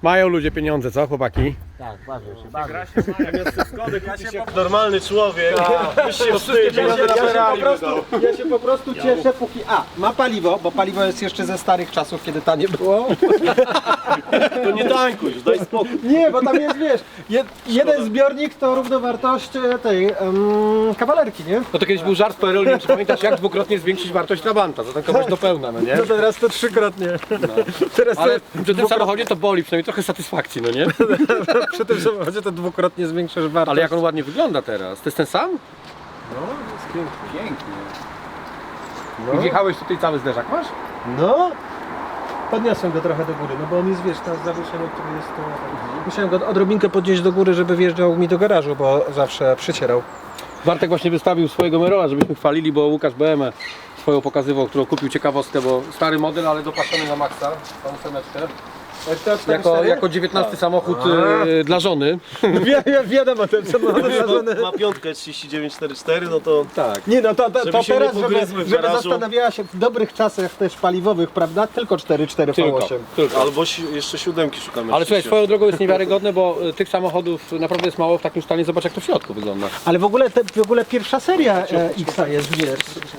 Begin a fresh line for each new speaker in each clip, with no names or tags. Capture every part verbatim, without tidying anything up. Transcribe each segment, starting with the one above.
Mają ludzie pieniądze, co chłopaki?
Tak, bawią się, bawią.
Gra się ma, zamiast te Skody kupić jak normalny człowiek. Byś się
Ja się,
wstydził.
ja, się po prostu, ja się po prostu cieszę, póki A, ma paliwo, bo paliwo jest jeszcze ze starych czasów, kiedy tanie było.
To nie tańkuj, już daj spokój.
Nie, bo tam jest, wiesz, jed, jeden zbiornik to równowartość e, tej um, kawalerki, nie?
No to kiedyś był żart w P R L, nie wiem, czy pamiętasz, jak dwukrotnie zwiększyć wartość Trabanta, zatankować do pełna, no nie?
No teraz to trzykrotnie. Teraz
Ale
to,
przy tym samochodzie to boli, przynajmniej trochę satysfakcji, no nie?
przy tym samochodzie to dwukrotnie zwiększasz wartość.
Ale jak on ładnie wygląda teraz, to jest ten sam?
No, jest piękny.
Pięknie.
No.
I wjechałeś tutaj cały zderzak, masz?
No, podniosłem go trochę do góry, no bo on jest, wiesz, tam zawieszenie, które jest to... Musiałem go odrobinkę podnieść do góry, żeby wjeżdżał mi do garażu, bo zawsze przycierał.
Bartek właśnie wystawił swojego Merola, żebyśmy chwalili, bo Łukasz B M swoją pokazywał, którą kupił ciekawostkę, bo stary model, ale dopaszony na maksa, tą ósemeczkę. Jako, jako dziewiętnasty samochód y, dla żony.
Wie, wie, wiadomo, ten samochód zażony.
Ma piątkę trzydzieści dziewięć czterdzieści cztery, no to
Tak.
Nie no, to, to,
Żeby
to
się nie
teraz, żeby,
pogryzły w
żeby
garażu.
zastanawiała się w dobrych czasach też paliwowych, prawda? Tylko cztery cztery V
Tylko,
osiem.
tylko.
albo si jeszcze siódemki szukamy.
Ale słuchaj,
oczywiście.
swoją drogą jest niewiarygodne, bo y, tych samochodów naprawdę jest mało w takim stanie. Zobacz, jak to w środku wygląda.
Ale w ogóle, te, w ogóle pierwsza seria e, X-a jest, wiesz.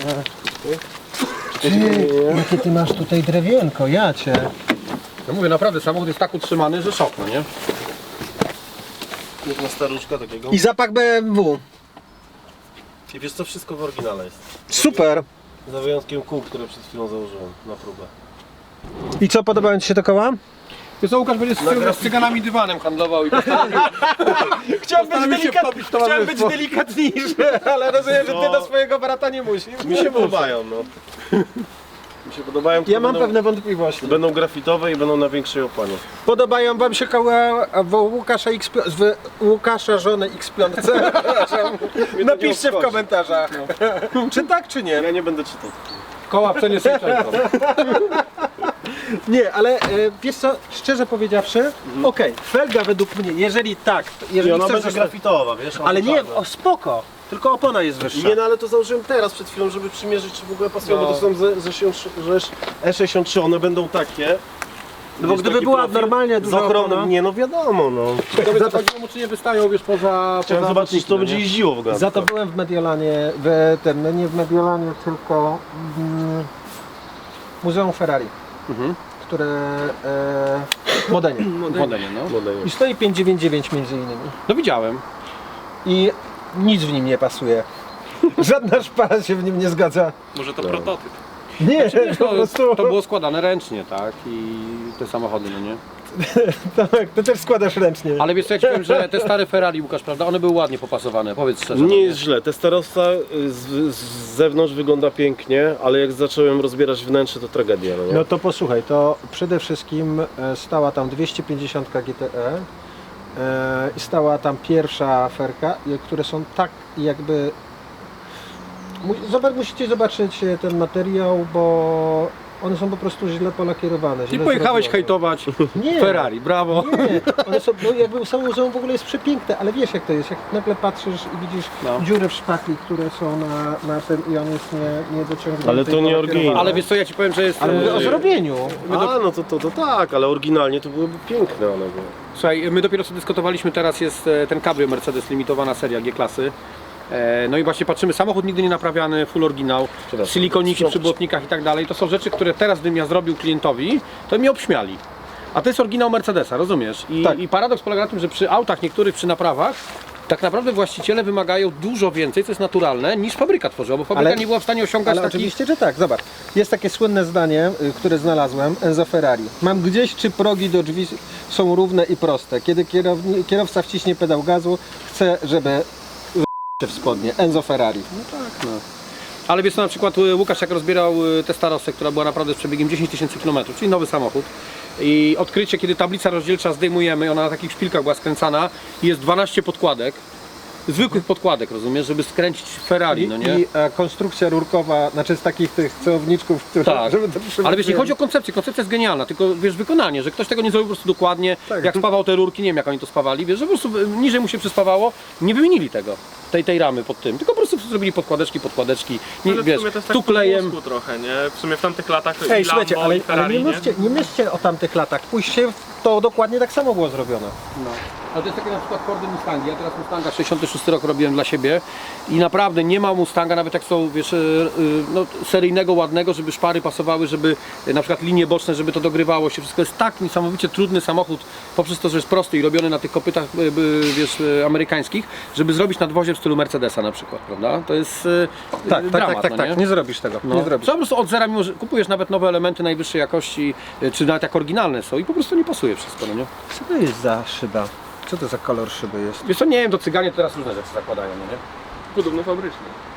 Ty, jakie ty masz tutaj drewienko, ja cię.
No mówię, naprawdę, samochód jest tak utrzymany, że szok, no nie?
Jedna staruszka takiego.
I zapach B M W.
I wiesz co, wszystko w oryginale jest.
Super.
Za wyjątkiem kół, które przed chwilą założyłem na próbę.
I co, podobają ci się te koła?
Wiesz co, Łukasz będzie z, z cyganami dywanem handlował i postanowił,
Chciałem
postanowił się wtopić w towarzystwo.
delikatniejszy, ale rozumiem, że ty do swojego brata nie musisz.
Mi się podobają, no. Mi się podobają,
Ja
tylko
mam
będą,
pewne wątpliwości.
będą grafitowe i będą na większej opanie.
Podobają wam się koła w Łukasza, X, w Łukasza żonę X pięć? Napiszcie w komentarzach. Czy tak, czy nie?
Ja nie będę czytał.
Koła w cenie Sejczenką.
Nie, ale e, wiesz co, szczerze powiedziawszy, okej, felga według mnie, jeżeli tak, to-
I
jeżeli
ona
chcesz,
będzie
zostać-
grafitowa, wiesz? ona
ale nie,
czarna.
o spoko, tylko opona jest wyższa.
Nie, no ale to założyłem teraz przed chwilą, żeby przymierzyć, czy w ogóle pasują,
No.
bo to są ze, ze, ze E sześćdziesiąt trzy, one będą takie.
No bo
Jest
gdyby
taki
była
profil
normalnie
z
duża
ochroną,
opona,
nie no wiadomo, no.
Ciekawe, co chodziło mu, czy nie wystają, wiesz, poza...
Chciałem
poza
zobaczyć, czy to
lotnikiem,
będzie
no nie?
jeździło w ogóle.
za to byłem w Mediolanie, w tym, no nie w Mediolanie, tylko mm, Muzeum Ferrari,
Mhm.
które e, Modenie.
Modenie, no.
I stoi pięćset dziewięćdziesiąt dziewięć między innymi.
No widziałem.
I nic w nim nie pasuje. Żadna szpara się w nim nie zgadza.
Może to prototyp.
Nie, po
To,
prostu.
to było składane ręcznie, tak? I te samochody, no nie?
Tak, to też składasz ręcznie.
Ale wiesz co, ja ci powiem, że te stare Ferrari, Łukasz, prawda, one były ładnie popasowane, powiedz szczerze.
Nie jest źle, Testarossa z, z zewnątrz wygląda pięknie, ale jak zacząłem rozbierać wnętrze, to tragedia, no nie?
No to posłuchaj, to przede wszystkim e, stała tam dwieście pięćdziesiąt G T E e, i stała tam pierwsza ferka, i- które są tak jakby... Mu- Zobacz, musicie zobaczyć e, ten materiał, bo one są po prostu źle polakierowane.
I
źle
pojechałeś
zrobione.
hejtować
Nie.
Ferrari, brawo.
Nie, one są, no jakby samo muzeum w ogóle jest przepiękne, ale wiesz jak to jest, jak nagle patrzysz i widzisz
No.
dziury w szpachli, które są na, na tym i on jest nie, nie dociągnięty.
Ale to
i
nie
polakierowany.
oryginał.
Ale wiesz co, ja ci powiem, że jest...
Ale mówię o
e,
zrobieniu.
A, no to, to, to tak, ale oryginalnie to byłyby piękne one były.
Słuchaj, my dopiero co dyskutowaliśmy, teraz jest e, ten Cabrio Mercedes, limitowana seria G-klasy. E, No i właśnie patrzymy, samochód nigdy nie naprawiany, full oryginał,
Przepraszam.
silikoniki przy błotnikach i tak dalej. To są rzeczy, które teraz bym ja zrobił klientowi, to mnie obśmiali. A to jest oryginał Mercedesa, rozumiesz? I,
Tak.
I paradoks polega na tym, że przy autach niektórych, przy naprawach, tak naprawdę właściciele wymagają dużo więcej, co jest naturalne, niż fabryka tworzyła, bo fabryka
Ale-
nie była w stanie osiągać
Ale
takich...
oczywiście, że tak, zobacz. Jest takie słynne zdanie, y, które znalazłem, Enzo Ferrari. Mam gdzieś, czy progi do drzwi są równe i proste. Kiedy kierowni, kierowca wciśnie pedał gazu, chcę, żeby w spodnie. Enzo Ferrari.
Ale wiesz co, na przykład y, Łukasz jak rozbierał y, tę Starosę, która była naprawdę z przebiegiem dziesięć tysięcy kilometrów, czyli nowy samochód. I odkrycie, kiedy tablica rozdzielcza zdejmujemy, ona na takich szpilkach była skręcana i jest dwanaście podkładek. Zwykłych podkładek, rozumiesz, żeby skręcić Ferrari, no nie?
I e, konstrukcja rurkowa, znaczy z takich tych celowniczków, które...
Tak,
żeby to
ale wiesz, nie chodzi o koncepcję, koncepcja jest genialna, tylko wiesz, wykonanie, że ktoś tego nie zrobił po prostu dokładnie,
Tak.
jak spawał te rurki, nie wiem jak oni to spawali, wiesz, że po prostu y, niżej mu się przyspawało, nie wymienili tego, tej, tej ramy pod tym, tylko po prostu zrobili podkładeczki, podkładeczki, nie,
Ale w
wiesz,
sumie to jest tak
tu
po
klejem.
włosku trochę, nie? W sumie w tamtych latach
Ej,
i
słuchajcie,
Lambo,
ale,
i
ale
Ferrari,
nie,
nie?
myślcie, nie myślcie o tamtych latach. Pójście w to dokładnie tak samo było zrobione.
No. Ale to jest takie na przykład Fordy Mustangi. Ja teraz Mustanga sześćdziesiąty szósty rok robiłem dla siebie i naprawdę nie ma Mustanga, nawet jak są, wiesz, y, y, no, seryjnego, ładnego, żeby szpary pasowały, żeby y, na przykład linie boczne, żeby to dogrywało się. Wszystko jest tak niesamowicie trudny samochód, poprzez to, że jest prosty i robiony na tych kopytach, y, y, wiesz, y, amerykańskich, żeby zrobić nadwozie w stylu Mercedesa na przykład, prawda? To jest y,
Tak,
y,
tak,
dramat,
tak, tak,
no,
tak,
nie?
nie zrobisz tego,
No.
nie zrobisz.
Co po prostu od zera, mimo że kupujesz nawet nowe elementy najwyższej jakości, y, czy nawet jak oryginalne są i po prostu nie pasuje wszystko, no nie?
Co to jest za szyba? Co to za kolor szyby jest?
Wiesz co, nie wiem, to cyganie teraz różne rzeczy zakładają, no nie?
Podobno fabrycznie.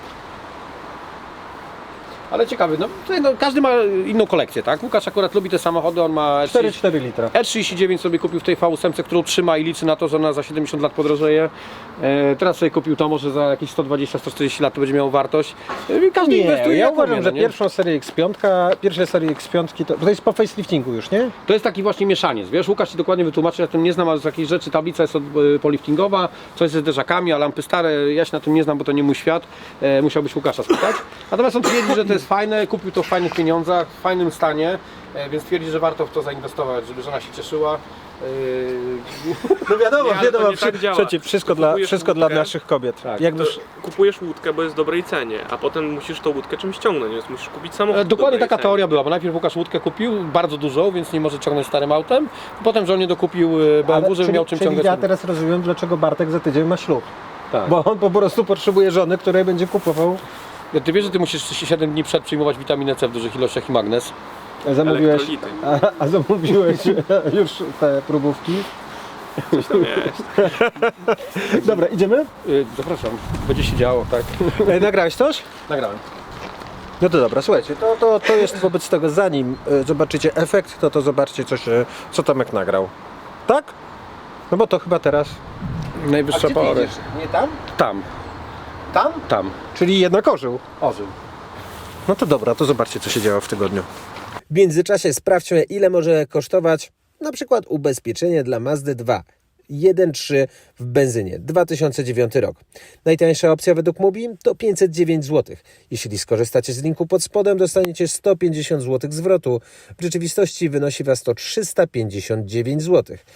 Ale ciekawy, no, tutaj, no każdy ma inną kolekcję, tak? Łukasz akurat lubi te samochody, on ma
cztery przecinek cztery litra.
E trzydzieści dziewięć sobie kupił w tej V osiem, którą trzyma i liczy na to, że ona za siedemdziesiąt lat podrożeje. E, teraz sobie kupił to, może za jakieś sto dwadzieścia do stu czterdziestu lat to będzie miało wartość. E, każdy
Nie,
inwestuje
ja
jak
uważam,
umie,
że
no nie?
pierwszą serię X pięć, pierwsze serie X pięć to, bo to jest po faceliftingu już, nie?
To jest taki właśnie mieszaniec, wiesz, Łukasz ci dokładnie wytłumaczy, ja tym nie znam, ale z jakiejś rzeczy tablica jest od, e, poliftingowa, coś ze zderzakami, a lampy stare, ja się na tym nie znam, bo to nie mój świat, e, musiałbyś Łukasza spytać. Natomiast on twierdzi, że to jest fajne, kupił to w fajnych pieniądzach, w fajnym stanie, e, więc twierdzi, że warto w to zainwestować, żeby żona się cieszyła. E,
No wiadomo,
Nie, ale to
wiadomo,
nie tak działa.
przecież wszystko, dla,
Kupujesz
wszystko dla
łódkę.
naszych kobiet.
Tak.
Jakby
To kupujesz łódkę, bo jest w dobrej cenie, a potem musisz tą łódkę czymś ciągnąć, więc musisz kupić samochód.
E,
w
Dokładnie
dobrej
taka
cenie.
teoria była, bo najpierw Łukasz łódkę kupił, bardzo dużą, więc nie może ciągnąć starym autem. Potem żonie dokupił e, B M W, żeby
czyli,
miał czym
czyli
ciągnąć.
ja teraz rozumiem, dlaczego Bartek za tydzień ma ślub.
Tak.
Bo on po prostu potrzebuje żony, której będzie kupował.
Ty wiesz, że ty musisz siedem dni przed przyjmować witaminę C w dużych ilościach i magnez?
A zamówiłeś,
Elektrolity.
a, a zamówiłeś już te próbówki.
Coś tam jest.
Dobra, idziemy?
Yy, zapraszam, będzie się działo, tak?
E, Nagrałeś coś?
Nagrałem.
No to dobra, słuchajcie, to, to, to jest wobec tego, zanim e, zobaczycie efekt, to to zobaczcie coś, e, co Tomek nagrał. Tak? No bo to chyba teraz.
Najwyższa pora.
Nie tam?
Tam,
Tam?
tam.
Czyli jednak orzył.
Ożył.
No to dobra, to zobaczcie, co się działo w tygodniu.
W międzyczasie sprawdźmy, ile może kosztować na przykład ubezpieczenie dla Mazdy dwa jeden trzy w benzynie, dwa tysiące dziewiąty rok. Najtańsza opcja według Mubi to pięćset dziewięć złotych. Jeśli skorzystacie z linku pod spodem, dostaniecie sto pięćdziesiąt złotych zwrotu. W rzeczywistości wynosi Was to trzysta pięćdziesiąt dziewięć złotych.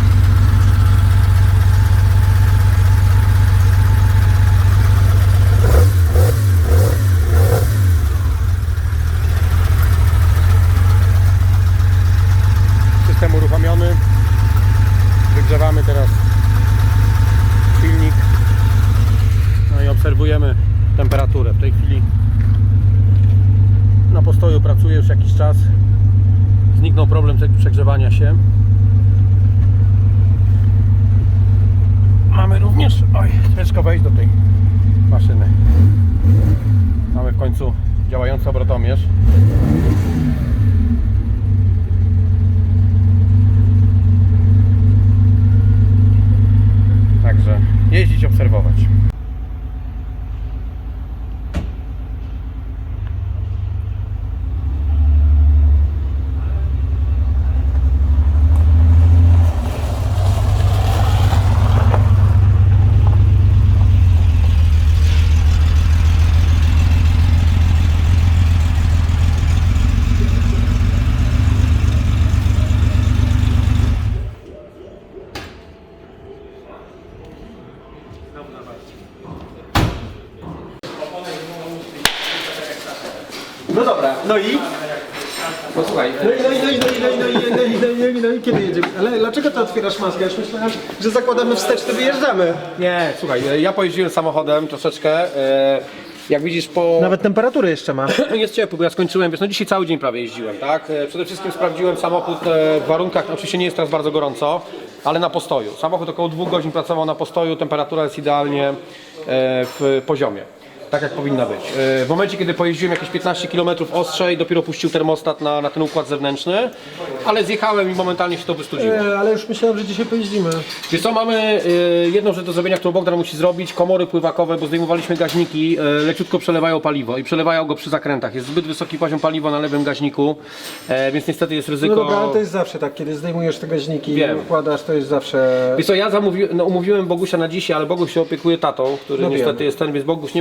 System uruchomiony. Wygrzewamy teraz silnik. No i obserwujemy temperaturę. W tej chwili na postoju pracuje już jakiś czas. Zniknął problem tego przegrzewania się. Mamy również, oj, ciężko wejść do tej maszyny. Mamy w końcu działający obrotomierz. Także jeździć, obserwować.
No dobra, no i?
No słuchaj,
No i, no i, no i, no i, no i, no i, no i, no i, no i, no i kiedy jedziemy? Ale dlaczego ty otwierasz maskę? Ja już myślałem, że zakładamy wsteczny, wyjeżdżamy.
nie, słuchaj, ja pojeździłem samochodem troszeczkę. e, Jak widzisz, po...
Nawet temperatury jeszcze ma.
Jest ciepło, bo ja skończyłem, wiesz, no dzisiaj cały dzień prawie jeździłem, tak? E, Przede wszystkim sprawdziłem samochód e, w warunkach, oczywiście nie jest teraz bardzo gorąco, ale na postoju. Samochód około dwóch godzin pracował na postoju, temperatura jest idealnie e, w poziomie. Tak jak powinna być. E, W momencie, kiedy pojeździłem jakieś piętnaście kilometrów ostrzej, dopiero puścił termostat na, na ten układ zewnętrzny, ale zjechałem i momentalnie się to wystudziło.
E, ale już myślałem, że dzisiaj pojeździmy.
Wiesz co, mamy y, jedną rzecz do zrobienia, którą Bogdan musi zrobić, komory pływakowe, bo zdejmowaliśmy gaźniki, y, leciutko przelewają paliwo i przelewają go przy zakrętach. Jest zbyt wysoki poziom paliwa na lewym gaźniku, e, więc niestety jest ryzyko...
No dobra, ale to jest zawsze tak, kiedy zdejmujesz te gaźniki
Wiem.
i układasz, to jest zawsze...
Wiesz co, ja zamówi, no, umówiłem Bogusia na dzisiaj, ale Boguś się opiekuje tatą, który
No
niestety
wiem.
jest ten, więc Boguś nie mógł przyjechać.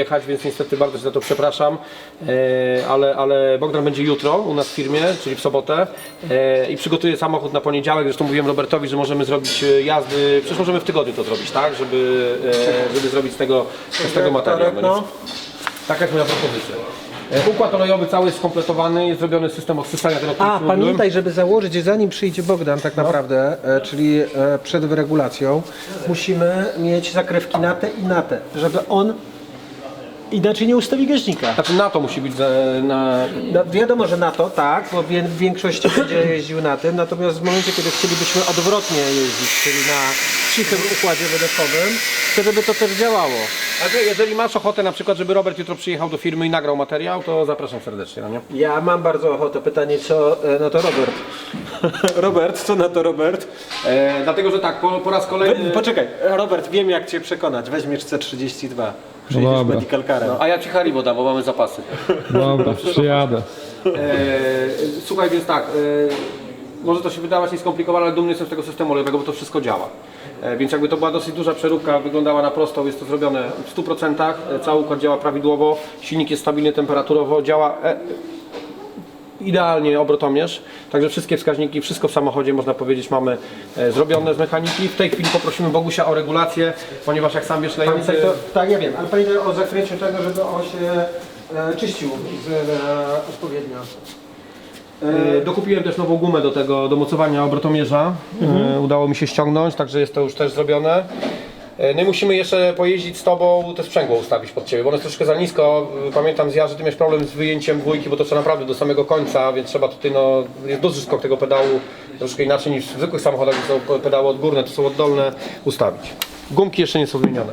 dojechać, więc niestety bardzo się za to przepraszam, e, ale, ale Bogdan będzie jutro u nas w firmie, czyli w sobotę e, i przygotuje samochód na poniedziałek. Zresztą mówiłem Robertowi, że możemy zrobić e, jazdy, przecież możemy w tygodniu to zrobić, tak, żeby, e, żeby zrobić z tego, z tego materiał. No,
No.
nie? Taka jest moja propozycja. E, Układ olejowy cały jest skompletowany, jest zrobiony system odsysania tego, o którym
A,
mówiłem.
pamiętaj, żeby założyć, zanim przyjdzie Bogdan tak naprawdę, e, czyli e, przed wyregulacją, musimy mieć zakrywki na te i na te, żeby on inaczej nie ustawi gaźnika.
Znaczy na to musi być za, na...
No, wiadomo, że na to tak, bo wie- w większości będzie jeździł na tym, natomiast w momencie, kiedy chcielibyśmy odwrotnie jeździć, czyli na cichym układzie wydechowym, to żeby to też działało.
Ale jeżeli masz ochotę na przykład, żeby Robert jutro przyjechał do firmy i nagrał materiał, to zapraszam serdecznie, no nie?
Ja mam bardzo ochotę. Pytanie, co e, na to Robert? Robert, co na to Robert?
E, dlatego, że tak, po, po raz kolejny...
Poczekaj, Robert, wiem jak Cię przekonać. Weźmiesz C trzydzieści dwa. Przyjedziesz
dobra.
medical carem.
A ja ci Haribo dam, bo mamy zapasy.
Dobra, przyjadę.
E, słuchaj, więc tak, e, może to się wydawać nieskomplikowane, ale dumny jestem z tego systemu olejowego, bo to wszystko działa. E, więc jakby to była dosyć duża przeróbka, wyglądała na prostą, jest to zrobione w stu procentach, e, cały układ działa prawidłowo, silnik jest stabilny temperaturowo, działa e, idealnie obrotomierz, także wszystkie wskaźniki, wszystko w samochodzie można powiedzieć mamy e, zrobione z mechaniki. W tej chwili poprosimy Bogusia o regulację, ponieważ jak sam wiesz, lejący...
Pamiętaj to, tak, ja wiem, ale pamiętaj o zakryciu tego, żeby on się e, czyścił z, e, odpowiednio.
E, Dokupiłem też nową gumę do tego, do mocowania obrotomierza. E, udało mi się ściągnąć, także jest to już też zrobione. E, No i musimy jeszcze pojeździć z Tobą, te sprzęgło ustawić pod Ciebie, bo ono jest troszkę za nisko. E, Pamiętam z ja, że Ty miałeś problem z wyjęciem dwójki, bo to trzeba naprawdę do samego końca, więc trzeba tutaj, no, jest duży skok tego pedału, troszkę inaczej niż w zwykłych samochodach, gdzie są pedały odgórne, to są oddolne, ustawić. Gumki jeszcze nie są wymienione.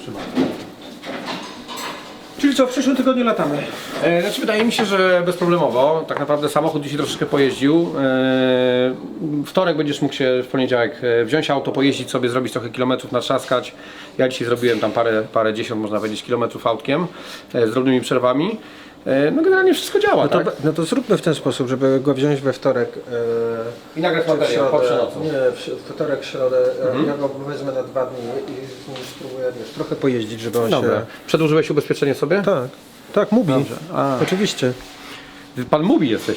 Czyli co, w przyszłym tygodniu latamy?
E, Znaczy wydaje mi się, że bezproblemowo. Tak naprawdę samochód dzisiaj troszeczkę pojeździł. E, Wtorek będziesz mógł się w poniedziałek e, wziąć auto, pojeździć sobie, zrobić trochę kilometrów, natrzaskać. Ja dzisiaj zrobiłem tam parę, parę dziesiąt, można powiedzieć, kilometrów autkiem e, z drobnymi przerwami. E, No generalnie wszystko działa,
No to,
tak?
no to zróbmy w ten sposób, żeby go wziąć we wtorek. E,
I nagrać
czy w
materiał po
środę.
przenocu.
Nie, w si- wtorek, środę. E, ja go wezmę na dwa dni i z nim spróbuję, wiesz, trochę pojeździć, żeby on
Dobra.
się...
Przedłużyłeś ubezpieczenie sobie?
Tak, tak, mówi.
A.
Oczywiście.
Pan mówi jesteś.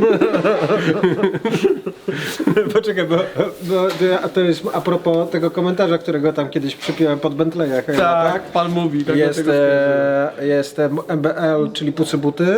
Poczekaj, bo, bo a to jest a propos tego komentarza, którego tam kiedyś przypiąłem pod Bentley'a chyba, tak?
pan mówi. Tak
Jest, e, jest e, M B L, czyli pucy buty.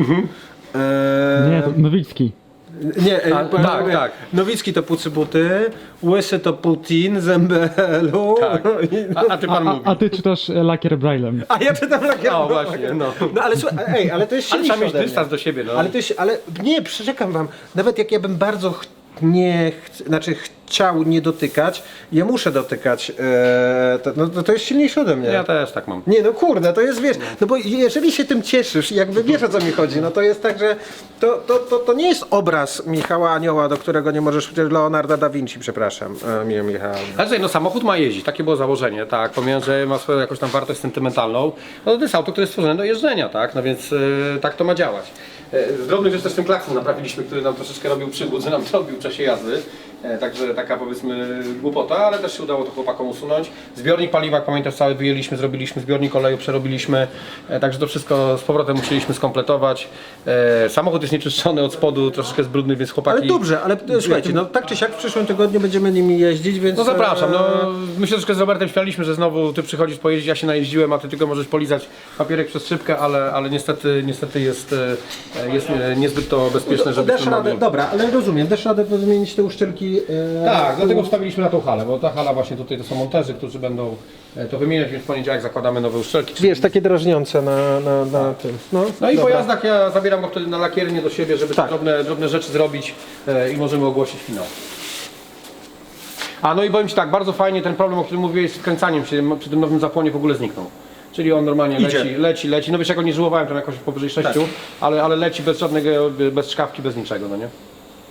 E,
Nie, to Nowicki.
nie, e,
A,
powiem
tak,
sobie,
tak.
Nowicki to pucy buty, Łysy to Putin z M B L-u.
Tak. A, a ty pan
A,
mówi.
a ty czytasz e, lakier Braillem.
A ja czytam lakier.
O, właśnie, no.
No ale słuchaj, ej, ale to jest
Ale
silniejsze
trzeba mieć
ode mnie.
dystans do siebie, no.
Ale to jest, ale nie, przeczekam wam, nawet jak ja bym bardzo ch- nie, ch- znaczy chciał nie dotykać, ja muszę dotykać, e, to, no, to, to jest silniejsze ode mnie.
Ja też tak mam.
Nie no kurde, to jest wiesz, no bo jeżeli się tym cieszysz i jakby wiesz o co mi chodzi, no to jest tak, że to, to, to, to nie jest obraz Michała Anioła, do którego nie możesz, Leonarda da Vinci, przepraszam, e, miło Michała.
Ale słuchaj, no samochód ma jeździć, takie było założenie, tak, pomimo, że ma swoją jakąś tam wartość sentymentalną, no to jest auto, które jest stworzone do jeżdżenia, tak, no więc e, tak to ma działać. E, Z drobnych rzeczy też ten klakson naprawiliśmy, który nam troszeczkę robił przygód, że nam to robił w czasie jazdy, e, także taka powiedzmy głupota, ale też się udało to chłopakom usunąć. Zbiornik paliwa, jak pamiętasz, cały wyjęliśmy, zrobiliśmy, zbiornik oleju przerobiliśmy, e, także to wszystko z powrotem musieliśmy skompletować. E, Samochód jest nieczyszczony od spodu, troszeczkę jest brudny, więc chłopaki...
Ale dobrze, ale e, słuchajcie, no tak czy siak w przyszłym tygodniu będziemy nimi jeździć, więc...
No zapraszam, no
e,
my się troszkę z Robertem śmialiśmy, że znowu ty przychodzisz pojeździć, ja się najeździłem, a ty tylko możesz polizać papierek przez szybkę, ale, ale niestety, niestety jest, e, jest nie- niezbyt to bezpieczne,
Dasz
żebyśmy
radę,
mogli...
dobra, ale rozumiem, dasz radę to zmienić te uszczelki. E,
Tak, dlatego wstawiliśmy na tą halę, bo ta hala właśnie tutaj to są monterzy, którzy będą e, to wymieniać, więc w poniedziałek zakładamy nowe uszczelki.
Wiesz, takie drażniące na, na, na tym. No,
No i po
dobra.
jazdach ja zabieram go wtedy na lakiernię do siebie, żeby
Tak.
te drobne, drobne rzeczy zrobić e, i możemy ogłosić finał. A no i powiem Ci tak, bardzo fajnie ten problem, o którym mówiłeś z wkręcaniem się przy tym nowym zapłonie w ogóle zniknął. Czyli on normalnie
Idzie.
leci, leci, leci. No wiesz, jak go nie żyłowałem tam jakoś powyżej sześciu, ale, ale leci bez żadnego, bez szkawki, bez niczego, no nie?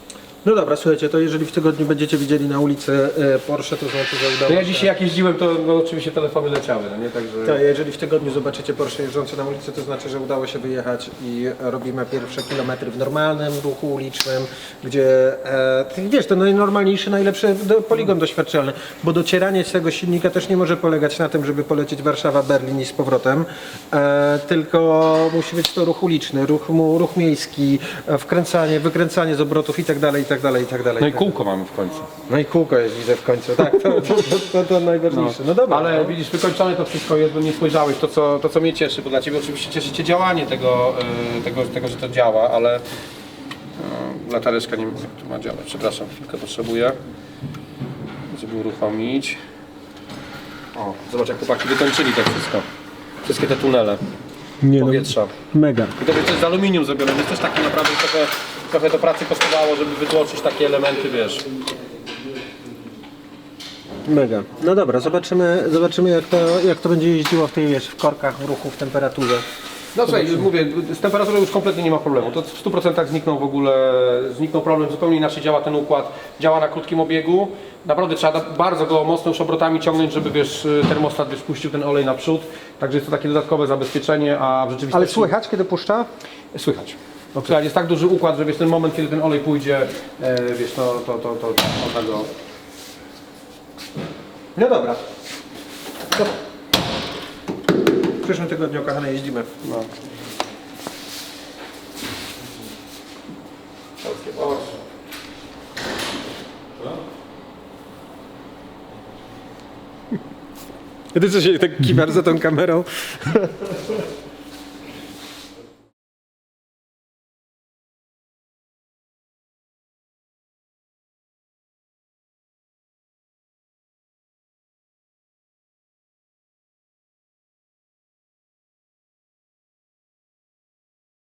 No dobra, słuchajcie, to jeżeli w tygodniu będziecie widzieli na ulicy e, Porsche, to znaczy, że udało
No ja
się.
dzisiaj jak jeździłem, to no, oczywiście telefony leciały, no nie? Także...
Tak, jeżeli w tygodniu zobaczycie Porsche jeżdżące na ulicy, to znaczy, że udało się wyjechać i robimy pierwsze kilometry w normalnym ruchu ulicznym, gdzie e, ty wiesz, to najnormalniejszy, najlepszy do, poligon doświadczalny, bo docieranie z tego silnika też nie może polegać na tym, żeby polecieć Warszawa, Berlin i z powrotem, e, tylko musi być to ruch uliczny, ruch, mu- ruch miejski, e, wkręcanie, wykręcanie z obrotów i tak dalej, i tak dalej, i tak dalej.
No i kółko mamy w końcu.
No i kółko jest, widzę w końcu, tak, to, to, to, to, to najważniejsze. No dobra.
Ale widzisz, wykończone to wszystko jest, bo nie spojrzałeś to co, to, co mnie cieszy, bo dla Ciebie oczywiście cieszy Cię działanie tego, y, tego, tego że to działa, ale y, latareczka nie wiem jak tu ma działać. Przepraszam, chwilkę potrzebuję, żeby uruchomić. O, zobacz jak chłopaki wykończyli to wszystko. Wszystkie te tunele
Nie,
powietrza.
mega.
I to jest z aluminium zrobione, więc też takie naprawdę trochę, trochę to pracy kosztowało, żeby wytłoczyć takie elementy, wiesz.
Mega. No dobra, zobaczymy, zobaczymy jak to, jak to będzie jeździło w tej, wiesz, w korkach, w ruchu, w temperaturze.
No słuchaj, mówię, z temperaturą już kompletnie nie ma problemu. To w stu procentach zniknął w ogóle, zniknął problem, zupełnie inaczej działa ten układ. Działa na krótkim obiegu. Naprawdę trzeba bardzo go mocno już obrotami ciągnąć, żeby wiesz, termostat wiesz, puścił ten olej naprzód. Także jest to takie dodatkowe zabezpieczenie, a w rzeczywistości...
Ale słychać, kiedy puszcza?
Słychać. No, słuchaj, jest tak duży układ, że wiesz, ten moment, kiedy ten olej pójdzie, e, wiesz, no to, to, to, to można go...
No dobra. To... W przyszłym tygodniu, kochane, jeździmy.
No. Polskie Porsche.
Ty co się tak kiwasz za tą kamerą?